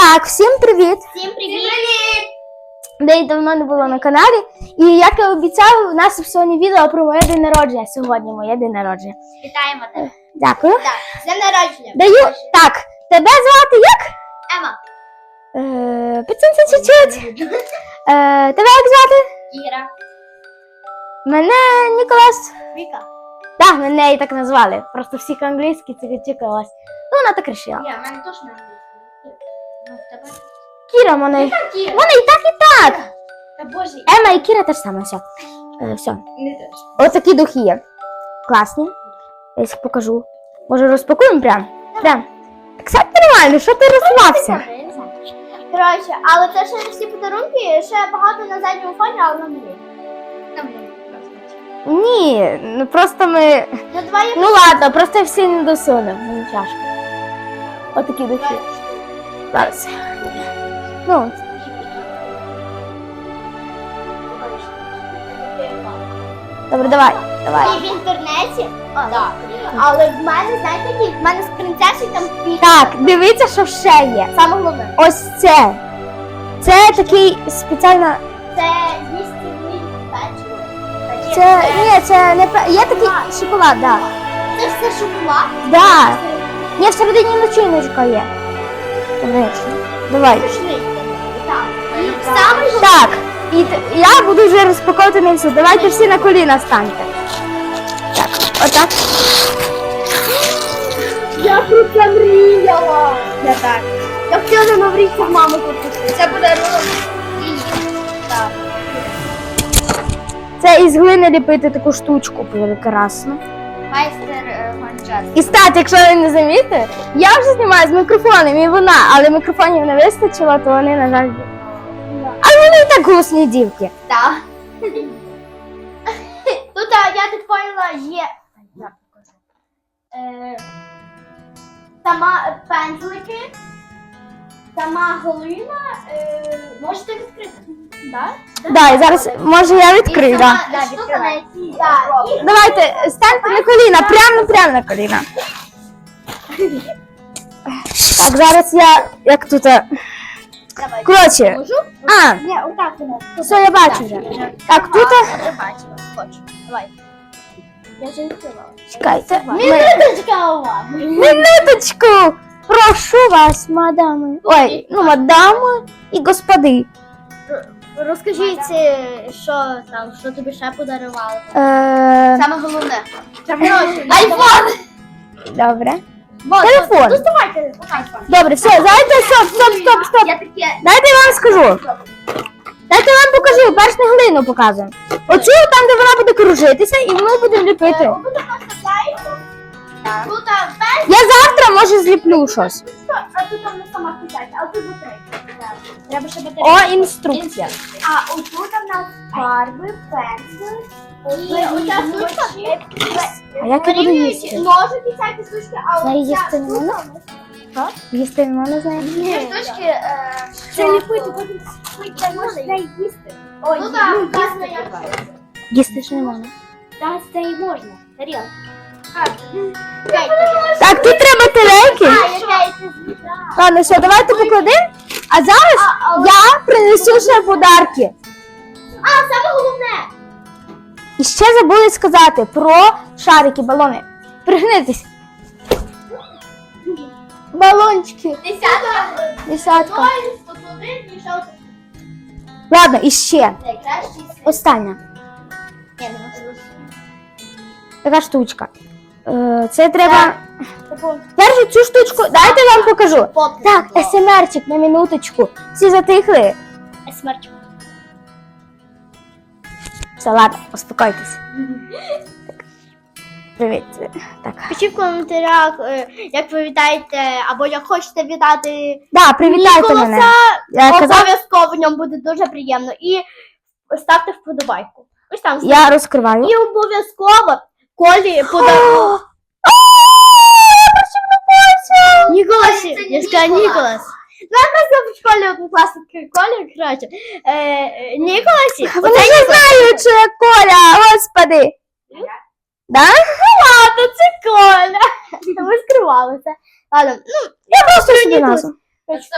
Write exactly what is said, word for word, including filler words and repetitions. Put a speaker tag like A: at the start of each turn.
A: Так, всім привіт!
B: Всім привіт!
A: Де давно не було на каналі. І як я обіцяв, у нас сьогодні відео про моє день народження. Сьогодні моє день народження.
B: Вітаємо тебе.
A: Дякую.
B: Так, з днем народження.
A: Даю. Так, тебе звати як?
B: Ема.
A: Е, Підсунься чуть-чуть. Е, тебе як звати?
B: Кіра.
A: Мене Ніколас.
B: Віка.
A: Так, мене і так назвали. Просто всіх англійські це чекалась. Ну, вона так рішила.
B: Я, в мене теж не англійський. Ну, в тебе?
A: Кіра, мене.
B: Яка Кіра?
A: Вона і так, і так.
B: Та боже.
A: Ема і Кіра теж саме. Все. Е, все.
B: Не теж.
A: Ось такі духи є. Класні. Я їх покажу. Може розпакуємо прям? Прям. Так сядь нормально, що ти розслабся?
B: Коротше, але це ще не всі подарунки, ще багато на задньому фоні, але нам не. Нам не.
A: Ні, ну просто ми...
B: Ну, давай я
A: Ну ладно, просто всі не досунемо. Мені тяжко. Ось такі духи. Зараз. Ну, добре, давай. Давай.
B: І в інтернеті. О, так. Але в мене, знаєте, які? В мене з принцесою там піч.
A: Так, дивіться, що ще є.
B: Саме головне.
A: Ось це. Це такий спеціально...
B: Це двісті гривень печиво.
A: Це... Ні, це не... пе- Є такий шоколад, так.
B: Це все шоколад?
A: Да. Ні, всередині начиночка є. Конечно. Давай.
B: Пішли. Так. І саме головне.
A: Так, і т- я буду вже розпаковувати місце. Давайте всі на коліна станьте. Так, отак.
B: Я про це мріяла. Я так. Я хотіла на Мавріці в маму купити. Це подарунок. Так.
A: Це із глини ліпити таку штучку прекрасно.
B: Майстер Гончар.
A: І стати, якщо ви не замітите, я вже знімаю з мікрофоном і вона, але мікрофонів не вистачило, то вони, на жаль, але вони і так голосні дівки.
B: Так. Тут, а, я так поняла, є. Я покажу. Е, Сама пензлики, сама глина. Е, можете відкрити? Так?
A: Да, і зараз, може, я відкрию, так.
B: Да, штука, на якій. Так. І
A: Давайте, станьте на коліна, прямо, прямо на коліна. Так, зараз я, як тут, е,
B: давай.
A: коротше,
B: Можу?
A: а,
B: Ні, отак воно.
A: все, я бачу вже. Так, тут,
B: Я
A: е,
B: вже бачила. Хочу. Давай. Я вже відкривала.
A: чекайте, ми-
B: Минуточка у вас.
A: минуточку, прошу вас, мадами, ой, ну, мадами і господи.
B: Розкажіть, що там, що тобі ще подарували.
A: Е,
B: Саме головне. Айфон!
A: добре.
B: Вот,
A: Телефон.
B: вот, доставай телефон. Айфон.
A: Добре, все, давайте, стоп, стоп, стоп, стоп.
B: Я таке.
A: Дайте я вам скажу. Дайте я вам покажу, перш не глину показуємо. Оцю там, де вона буде кружитися, і ми будемо ліпити.
B: Тут а, без,
A: Я завтра, може, зліплю щось.
B: а тут там не сама писати, а тут батарейка. Треба ще батарейка.
A: О, інструкція.
B: А отут у нас фарби, пензли. І оця штучка.
A: А як я буду їсти?
B: Ножики, всякі штучки, а
A: Знаю,
B: оця
A: їсти не можна?
B: штука.
A: Їсти не можна, знає?
B: Ці штучки, е, це ліпити, потім це можна їсти. Ой, ну так, вказано як.
A: Їсти ж не можна.
B: Так, це і можна. Тарілка.
A: Так, тут треба тарелки.
B: А, яка я це злітала.
A: Ладно, все, давайте покладемо. А зараз я принесу ще подарки.
B: А, саме головне.
A: І ще забули сказати про шарики, балони. Пригнитись. Балончики.
B: Десятка.
A: Десятка.
B: Ноль, сто один, і ще один.
A: Ладно, і ще.
B: Найкращий світ.
A: Остання.
B: Ні, не можу.
A: Така штучка. Е, Це треба.
B: Таку
A: Першу цю штучку, дайте я вам покажу.
B: фотку.
A: Так, есемерчик на минуточку. Всі затихли.
B: Смерч.
A: Все, ладно, успокойтесь. Так. Привіт. Так.
B: Пишіть в коментарях, е, як ви вітаєте, або як хочете вітати
A: Да, привітайте мене.
B: Ніколаса.
A: Я казав,
B: Обов'язково в ньому буде дуже приємно. І ставте вподобайку. Ось там.
A: я розкриваю.
B: І обов'язково Колі подарунок. Ніколас, я сказала Ніколас. Ну, я просто в школі однокласники Колі, коротше. Е, е, Ніколасі.
A: Вони не знають, що я Коля, господи. Да?
B: Ладно, це Коля. Ми скривали це. Ладно, ну,
A: Я просто собі назву.